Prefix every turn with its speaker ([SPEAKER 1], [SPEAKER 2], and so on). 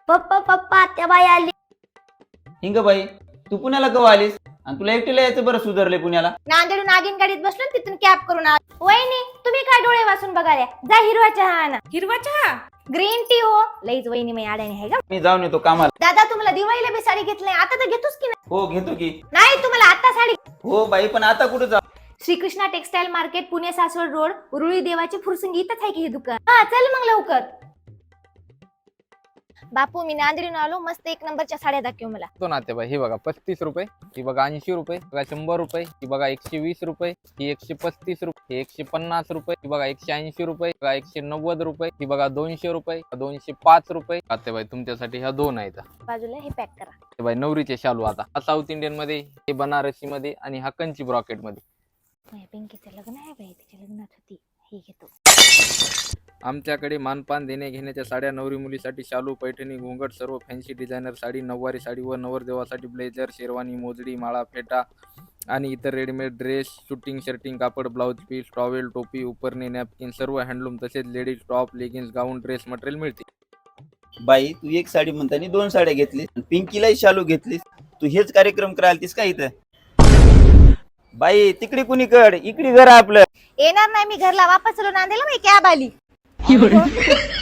[SPEAKER 1] पप्पा पप्पा त्या बाई आली.
[SPEAKER 2] हिंग बाई, तू पुण्याला कवा आलीस आणि तुला एकटीला यायचं बरं सुधारले पुण्याला.
[SPEAKER 1] नांदेडून नागिन गाडीत बसलो आणि तिथून कॅब करून आलो. वहिनी तुम्ही काय डोळे वाचून बघाल्या, जा हिरवा चहा आणा.
[SPEAKER 3] हिरवा चहा?
[SPEAKER 1] ग्रीन टी हो. लईच वहिनी मी आड्याने आहे का.
[SPEAKER 2] मी जाऊन येतो कामाला.
[SPEAKER 1] दादा तुम्हाला दिवाळीला बी साडी घेतली आता तर घेतोस की नाही?
[SPEAKER 2] हो घेतो की.
[SPEAKER 1] नाही तुम्हाला आता साडी.
[SPEAKER 2] हो बाई, पण आता कुठं जा.
[SPEAKER 1] Shrikrishna textile market, Pune Saswad road, Uruli Devachi Fursungi इथंच आहे की हे दुकान. हा चल मग लवकर. बापू मी नांदेडून आलो, मस्त एक नंबरच्या साड्या दाखव मला.
[SPEAKER 4] तो नातेबाई, हे बघा 35 रुपये, ही बघा 80 रुपये, बघा 100 रुपये, ही बघा 120 रुपये, ही 135 रुपये, ही 150 रुपये, ही बघा 180 रुपये, बघा 190 रुपये, ही बघा 200 रुपये, 205 रुपये. नातेबाई तुमच्यासाठी ह्या दोन आहेत.
[SPEAKER 1] बाजूला हे पॅक करा.
[SPEAKER 4] ते बाई नवरीचे शालू आता हा साऊथ इंडियन मध्ये, हे बनारसी मध्ये आणि हा कंची ब्रॉकेट मध्ये.
[SPEAKER 1] माझ्या पिंकीचं लग्न आहे बाई, तिच्या लग्नात होती. हे घेतो.
[SPEAKER 4] आमच्याकडे मानपान देणे घेण्याच्या साड्या, नवरी मुलीसाठी शालू, पैठणी, घोंगट, सर्व फॅन्सी डिझायनर साडी, नऊवारी साडी व नवरदेवासाठी ब्लेझर, शेरवानी, मोजडी, माळा, फेटा आणि इतर रेडीमेड ड्रेस, शूटिंग, शर्टिंग, कापड, ब्लाउज पीस, टॉवेल, टोपी, उपरणे, नॅपकिन, सर्व हँडलूम, तसेच ladies top, leggings, gown, dress material मिळते.
[SPEAKER 2] बाई तू एक साडी म्हणतानी दोन साड्या घेतलीस, पिंकीलाही शालू घेतलीस. तू हेच कार्यक्रम करायला का इथं? बाई तिकडे कुणी कड, इकडे घर आपलं.
[SPEAKER 1] येणार नाही मी घरला, वापस चलो नांदेला, मी कॅब आली.